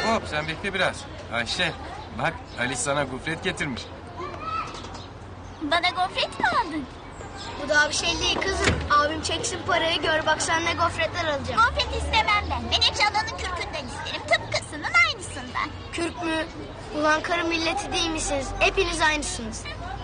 hop sen bekle biraz. Ayşe bak Ali sana gofret getirmiş. Bana gofret mi aldın? Bu daha bir şey değil kızım. Abim çeksin parayı, gör bak sen ne gofretler alacağım. Gofret istemem ben. Ben eşyalanın kürkünden isterim. Tıpkısının aynısından. Kürk mü? Ulan karı milleti değil misiniz? Hepiniz aynısınız.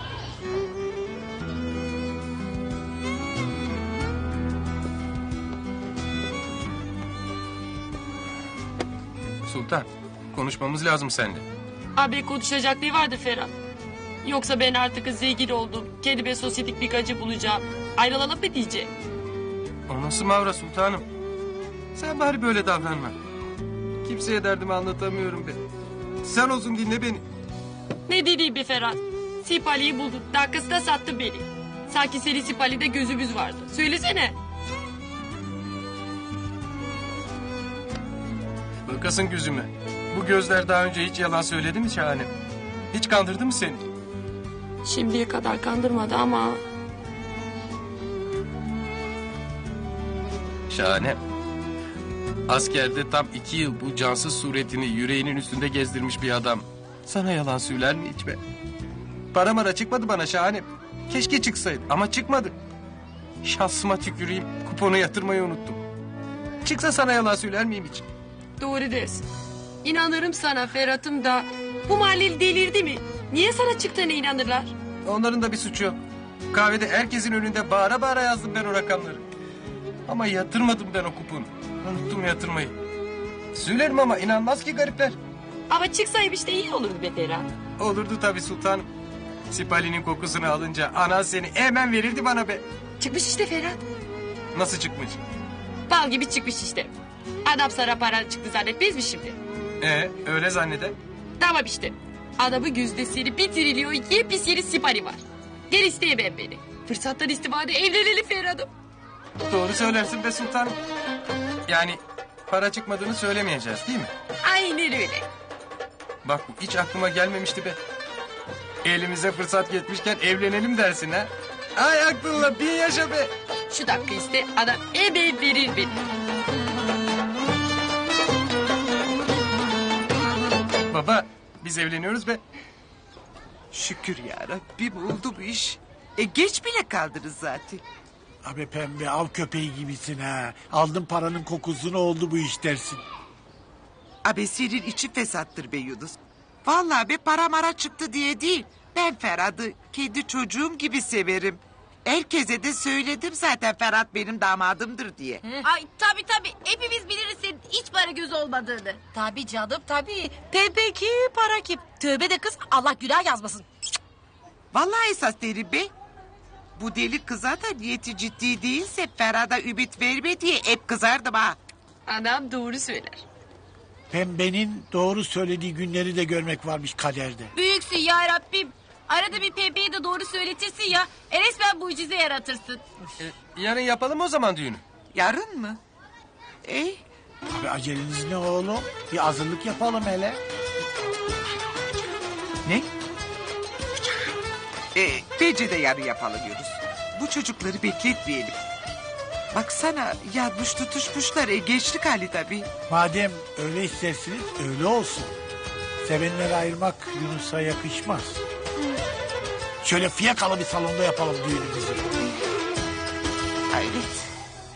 Sultan konuşmamız lazım seninle. Abi konuşacak ne vardı Ferhat? Yoksa ben artık zengin oldum. Kendime sosyetik bir gacı bulacağım. Ayrılalım mı diyecek? O nasıl mavra sultanım? Sen bari böyle davranma. Kimseye derdimi anlatamıyorum be. Sen olsun dinle beni. Ne dediğim be Ferhat? Sipali'yi buldun. Dakikasında sattın beni. Sanki senin Sipali'de gözümüz vardı. Söylesene. Bakasın gözüme. Bu gözler daha önce hiç yalan söyledi mi Şahane? Hiç kandırdı mı seni? Şimdiye kadar kandırmadı ama... Şahane. Askerde tam 2 yıl bu cansız suretini yüreğinin üstünde gezdirmiş bir adam. Sana yalan söyler mi hiç be? Para mara çıkmadı bana Şahane. Keşke çıksaydı ama çıkmadı. Şansıma tüküreyim, kuponu yatırmayı unuttum. Çıksa sana yalan söyler miyim hiç? Doğru dersin. İnanırım sana Ferhat'ım da... Bu mahalleli delirdi mi? Niye sana çıktığına inanırlar? Onların da bir suçu yok. Kahvede herkesin önünde bağıra bağıra yazdım ben o rakamları. Ama yatırmadım ben o kuponu. Unuttum yatırmayı. Söylerim ama inanmaz ki garipler. Ama çıksaymış da iyi olur be Ferhat. Olurdu tabii sultanım. Sipali'nin kokusunu alınca anan seni hemen verirdi bana be. Çıkmış işte Ferhat. Nasıl çıkmış? Bal gibi çıkmış işte. Adam sana para çıktı zannetmez mi şimdi? Öyle zanneder. Tamam işte. Adamın yüzdesini bir trilyon yepis yeni Sipali var. Gel isteyemem beni. Fırsattan istifade evlenelim Ferhat'ım. Doğru söylersin be sultanım. Yani para çıkmadığını söylemeyeceğiz değil mi? Aynen öyle. Bak bu hiç aklıma gelmemişti be. Elimize fırsat geçmişken evlenelim dersin ha. Ay aklınla bin yaşa be. Şu dakika iste adam hemen verir beni. Baba biz evleniyoruz be. Şükür ya Rabbim oldu bu iş. Geç bile kaldınız zaten. Abi pembe av köpeği gibisin ha. Aldın paranın kokusunu oldu bu iş dersin. Abi senin içi fesattır be Yunus. Vallahi be para mara çıktı diye değil. Ben Ferhat'ı kendi çocuğum gibi severim. Herkese de söyledim zaten Ferhat benim damadımdır diye. Ay tabii hepimiz biliriz senin hiç para göz olmadığını. Tabii canım tabii. Pembe kim para kim? Tövbe de kız Allah günah yazmasın. Vallahi esas derim be. Bu deli kıza da niyeti ciddi değilse Ferhat'a ümit verme diye hep kızardım ha. Adam doğru söyler. Pembenin doğru söylediği günleri de görmek varmış kaderde. Büyüksün ya Rabbim. Arada bir Pembe'ye de doğru söyletirsin ya. Resmen mucize yaratırsın. Yarın yapalım o zaman düğünü. Yarın mı? Abi aceleniz ne oğlum? Bir hazırlık yapalım hele. Ne? Bence de yarın yapalım Yunus. Bu çocukları bekletmeyelim. Baksana yanmış tutuşmuşlar. Gençlik hali tabii. Madem öyle istersiniz öyle olsun. Sevenleri ayırmak Yunus'a yakışmaz. Şöyle fiyakalı bir salonda yapalım düğünümüzü. Evet.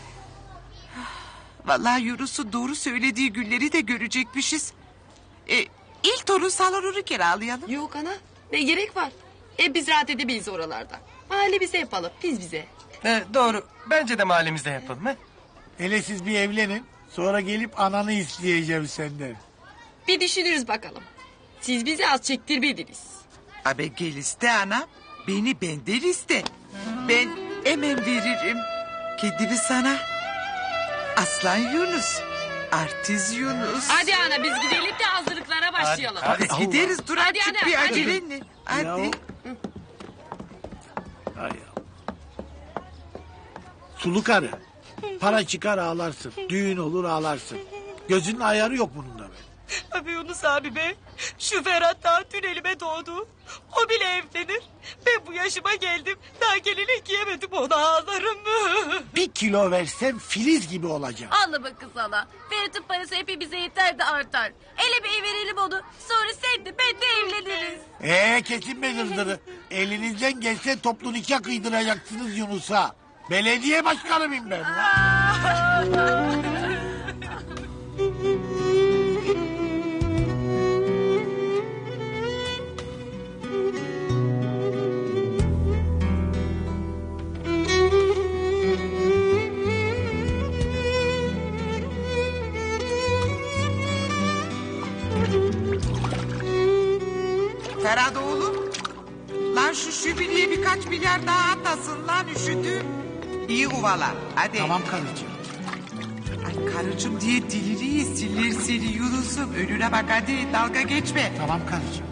Vallahi Yunus'un doğru söylediği günleri de görecekmişiz. İlk torun salonunu kiralayalım. Yok ana ne gerek var? Biz rahat edemeyiz oralarda. Mahallemize yapalım biz bize. Doğru. Bence de mahallemizde yapalım. He? Hele siz bir evlenin. Sonra gelip ananı isteyeceğim senden. Bir düşünürüz bakalım. Siz bizi az çektirmediniz. Abi gel iste anam. Beni benden iste. Ben hemen veririm. Kedimi sana. Aslan Yunus. Artist Yunus. Hadi ana biz gidelim de hazırlıklara başlayalım. Hadi. Gideriz dur Hadi azıcık ana, bir hadi. acelenle. Hadi. Ya. Ay ya. Sulu karı. Para çıkar ağlarsın. Düğün olur ağlarsın. Gözünün ayarı yok bunun da be. Abi Yunus abi be. Şu Ferhat daha dün elime doğdu. O bile evlenir. Ben bu yaşıma geldim. Daha gelinlik giyemedim, onu ağlarım. 1 kilo versem Filiz gibi olacağım. Ağlama kız hala. Ferit'in parası hepimize yeter de artar. Ele bir verelim onu. Sonra sen de ben de evleniriz. Kesin be dırdırı. Elinizden gelse toplu nikah kıydıracaksınız Yunus'a. Belediye başkanı mıyım ben? Ferhat oğlum. Lan şu şübiliye birkaç milyar daha atasın lan üşüdüm. İyi uvala hadi. Tamam karıcığım. Ay karıcığım diye dilini yesinler seni Yunus'um. Önüne bak hadi dalga geçme. Tamam karıcığım.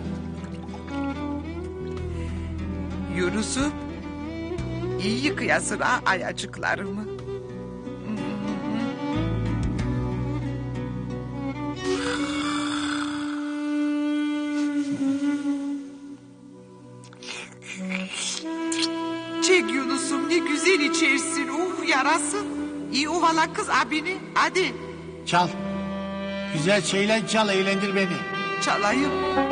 Yunus'um. İyi yıkayasın ha ayacıklarımı. Çek Yunus'um ne güzel içersin. Yarasın. İyi uvala kız abini. Hadi Çal. Güzel şeyler çal, eğlendir beni. çalayım.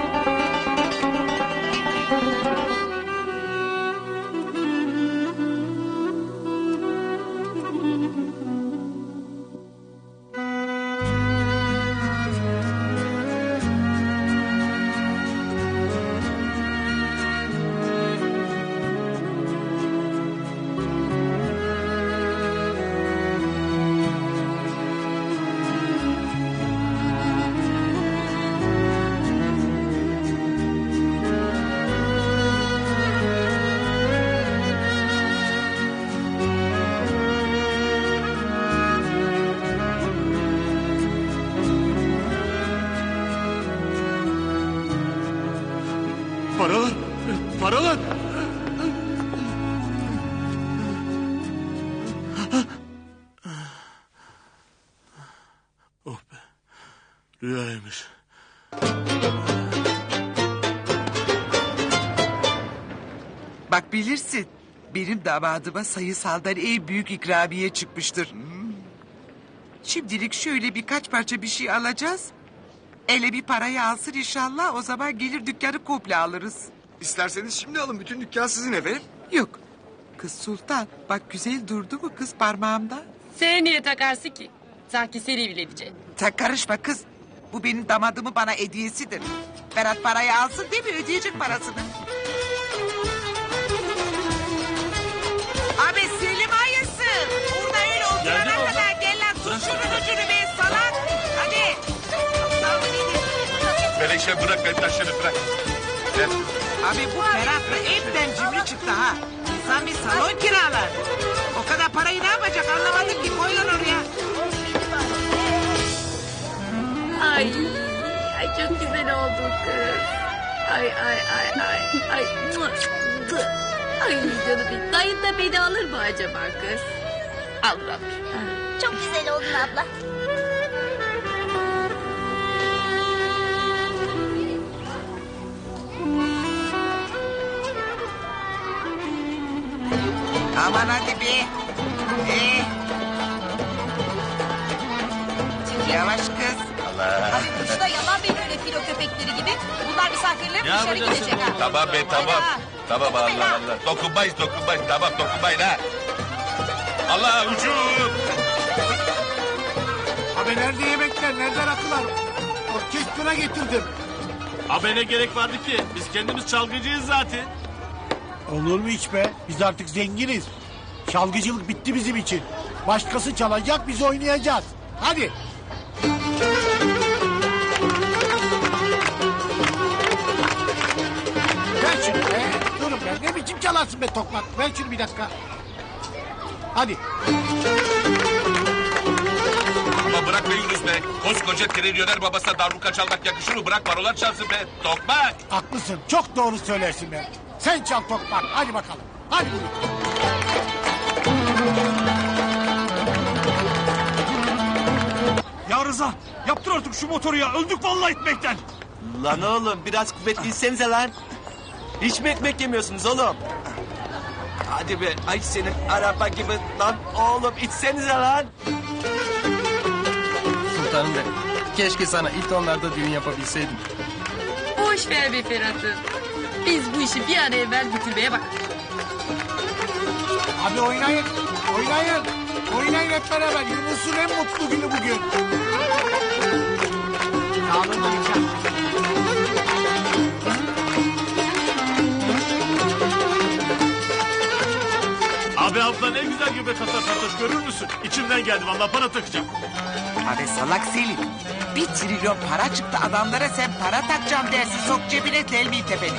Paralar! Paralar! Oh be. Rüyaymış. Bak bilirsin. Benim damadıma sayısaldan en büyük ikramiye çıkmıştır. Şimdilik şöyle birkaç parça bir şey alacağız. Ele bir parayı alsın inşallah. O zaman gelir dükkanı komple alırız. İsterseniz şimdi alın. Bütün dükkan sizin efendim. Yok. Kız Sultan bak güzel durdu mu kız parmağımda? Sen niye takarsın ki? Sanki seni evleneceksin. Sen karışma kız. Bu benim damadımın bana hediyesidir. Ferhat parayı alsın değil mi? Ödeyecek parasını. Abi Selim hayırsın. Burada öyle oturana kadar gel lan. Tut şunun ucunu be salak. Hadi. Melekşe bırak ben taşları bırak. Gel. Abi bu Ferhat'la hepten cimri çıktı ha. İnsan bir salon kiralar. O kadar parayı ne yapacak anlamadım ki. Koy lan oraya. Ay, ay çok güzel oldu kız. Ay ay ay ay ay. Ay canım benim. Dayın da beni alır mı acaba kız? Alır alır. Çok güzel oldun abla. Aman hadi be. Yavaş kız. Şurada yalan benim öyle filo köpekleri gibi. Bunlar misafirlerim dışarı gidecek ha. Tamam be tamam. Hadi ha. Tamam Allah Allah. Dokunmayız. Tamam dokunmayın ha. Allah ucum. Abi nerede yemekler, nerede rakılar? Orkestra getirdim. Abi ne gerek vardı ki? Biz kendimiz çalgıcıyız zaten. Olur mu hiç be? Biz artık zenginiz. Çalgıcılık bitti bizim için. Başkası çalacak, biz oynayacağız. Hadi. Ver şunu be. Durun be. Ne biçim çalarsın be tokmak? Ver şunu bir dakika. Hadi. Ama bırak be Yunus be. Koskoca trilyoner babasına darbuka çalmak yakışır mı? Bırak barolar çalsın be. Tokmak. Haklısın. Çok doğru söylersin be. Sen çal tokmak. Hadi bakalım. Hadi. Ya Rıza Yaptır artık şu motoru ya. Öldük vallahi etmekten. Lan oğlum biraz kuvvetli insenize lan. Hiç mi ekmek yemiyorsunuz oğlum? Hadi be ay senin araba gibi lan oğlum içsenize lan. Sultanım benim. Keşke sana ilk onlarda düğün yapabilseydim. Boş ver be Ferhat'ım. Biz bu işi bir an evvel bitirmeye bak. Abi oynayın. Oynayın. Oynayın hep beraber. Yunus'un en mutlu günü bugün. Sağ olun dayıcan. Abi abla ne güzel göbek atar Fatoş görür müsün? İçimden geldi vallahi para takacağım. Abi salak Selim. 1 trilyon para çıktı adamlara sen para takacağım dersin. Sok cebine telmi tepeni.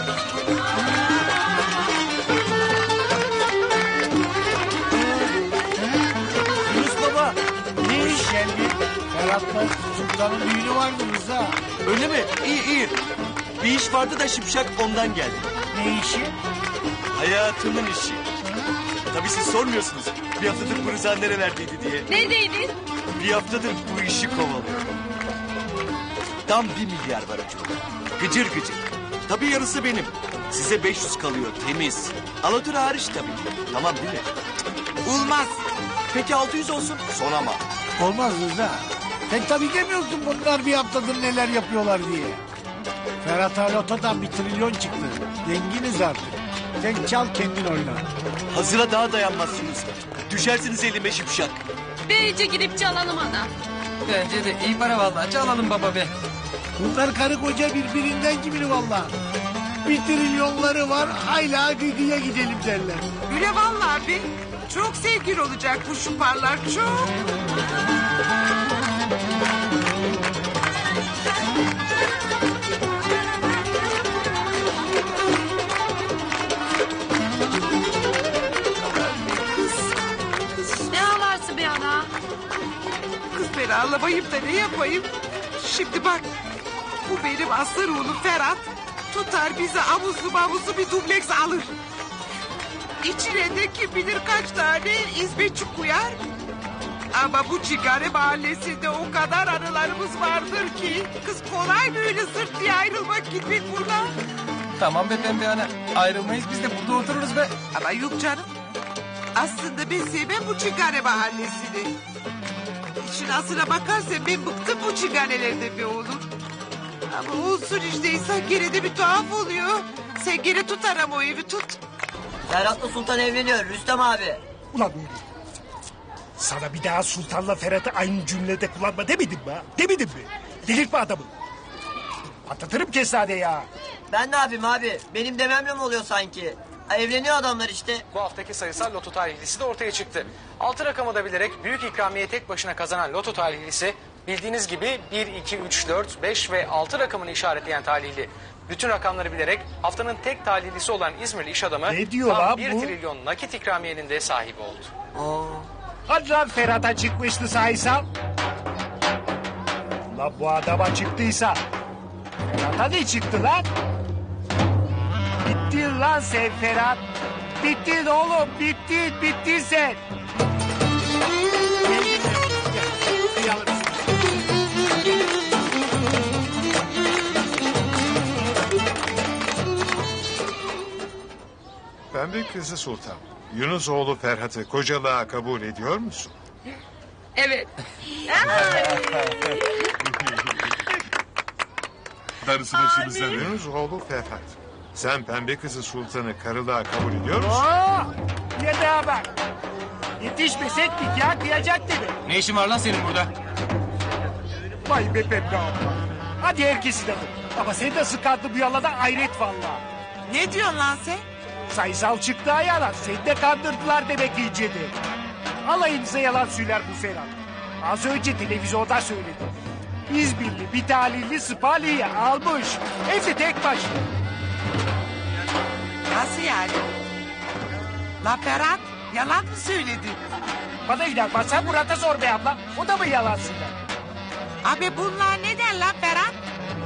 Yunus baba ne iş? Geldi. Ferhat'la Sultan'ın düğünü vardı Rıza. Öyle mi? İyi iyi. Bir iş vardı da şipşak ondan geldi. Ne işi? Hayatımın işi. Tabii siz sormuyorsunuz. Bir haftadır bu Rıza nerelerdeydi diye. Neredeydin? Bir haftadır bu işi kovalıyor. Tam 1 milyar var ucunda. Gıcır gıcır. Tabii yarısı benim. Size 500 kalıyor temiz. Alatür hariç tabii ki. Tamam değil mi? Olmaz. Peki 600 olsun. Son ama. Olmaz Rıza. Sen tabii demiyorsun bunlar bir haftadır neler yapıyorlar diye. Ferhat'a lotodan 1 trilyon çıktı. Zenginiz artık. Sen çal kendin oyna. Hazıra daha dayanmazsınız. Düşersiniz elime şipşak. Bence gidip çalalım ana. Bence de iyi para vallahi. Çalalım baba be. Bunlar karı koca birbirinden gibi vallahi. 1 trilyonları var hala gıgıya gidelim derler. Öyle vallahi abi. Çok sevgili olacak bu şuparlar çok. Ne ağlarsın be ana? Kız ben ağlamayayım da ne yapayım? Şimdi bak. Bu benim aslan oğlum Ferhat. Tutar bize amuzlu bir dubleks alır. İçine de kim bilir kaç tane hizmetçi koyar. Ama bu Çingare mahallesinde o kadar anılarımız vardır ki... ...kız kolay mı öyle sırt diye ayrılmak gitmek buradan? Tamam be pembe ana. Ayrılmayız biz de burada otururuz be. Ama yok canım. Aslında ben sevmem bu Çingare mahallesini. İşin aslına bakarsan ben bıktım bu çinganelerden be oğlum. Ama olsun işte insan gene de bir tuhaf oluyor. Sen gene tut ama o evi tut. Ferhat'la Sultan evleniyor Rüstem abi. Ulan oğlum. Sana bir daha Sultan'la Ferhat'ı aynı cümlede kullanma demedim mi ha? Demedim mi? Delirtme adamı. Patlatırım kesade ya. Ben ne yapayım abi? Benim dememle mi oluyor sanki? Ha, evleniyor adamlar işte. Bu haftaki sayısal loto talihlisi de ortaya çıktı. 6 rakamı da bilerek büyük ikramiye tek başına kazanan loto talihlisi bildiğiniz gibi 1, 2, 3, 4, 5 ve 6 rakamını işaretleyen talihli. Bütün rakamları bilerek haftanın tek talihlisi olan İzmirli iş adamı Ne diyor tam lan 1 bu? trilyon nakit ikramiyenin de sahibi oldu. Hadi lan Ferhat'a çıkmıştı sayısal. Lan bu adama çıktıysa Ferhat'a ne çıktı lan? Bittin lan sen Ferhat. Bittin oğlum bittin sen. Pembe kızı Sultan. Yunus oğlu Ferhat'ı kocalığa kabul ediyor musun? Evet. Darısı başınıza. Yunus oğlu Ferhat. Sen pembe kızı Sultan'ı karılığa kabul ediyor musun? Yedeğe bak. Yetişmesek nikah kıyacak gibi. Ne işin var lan senin burada? Vay be Pembe abla. Hadi herkesi de vur. Ama seni de sıkardı bu yalada hayret vallahi. Ne diyorsun lan sen? Sayısal çıktı yalan. Seni de kandırdılar demek iyicedi. Alayınıza yalan söyler bu Ferhat. Az önce televizyonda söyledi. İzmirli bir talihli Spali'yi almış. Hem de tek başına. Nasıl yani? La Ferhat yalan mı söyledi? Bana inanmazsan Murat'a sor be abla. O da mı yalan söyler? Abi bunlar ne der lan Ferhat?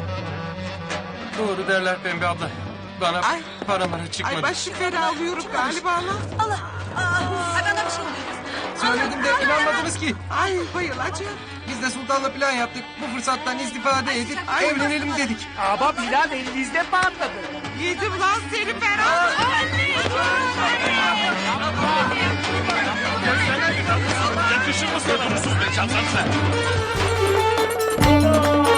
Doğru derler pembe abla. Bana Ay. para mara çıkmadı. Ay başım fena alıyorum galiba lan. Allah. Ay bana bir şey oluyor. Söyledim de inanmadınız ki. Ay bayılacağım. Biz de sultanla plan yaptık. Bu fırsattan istifade edip evlenelim dedik. Ama plan elinizde patladı. Yedim lan seni Ferhat. Yakışır mı sana? Huysuz be çalsanıza.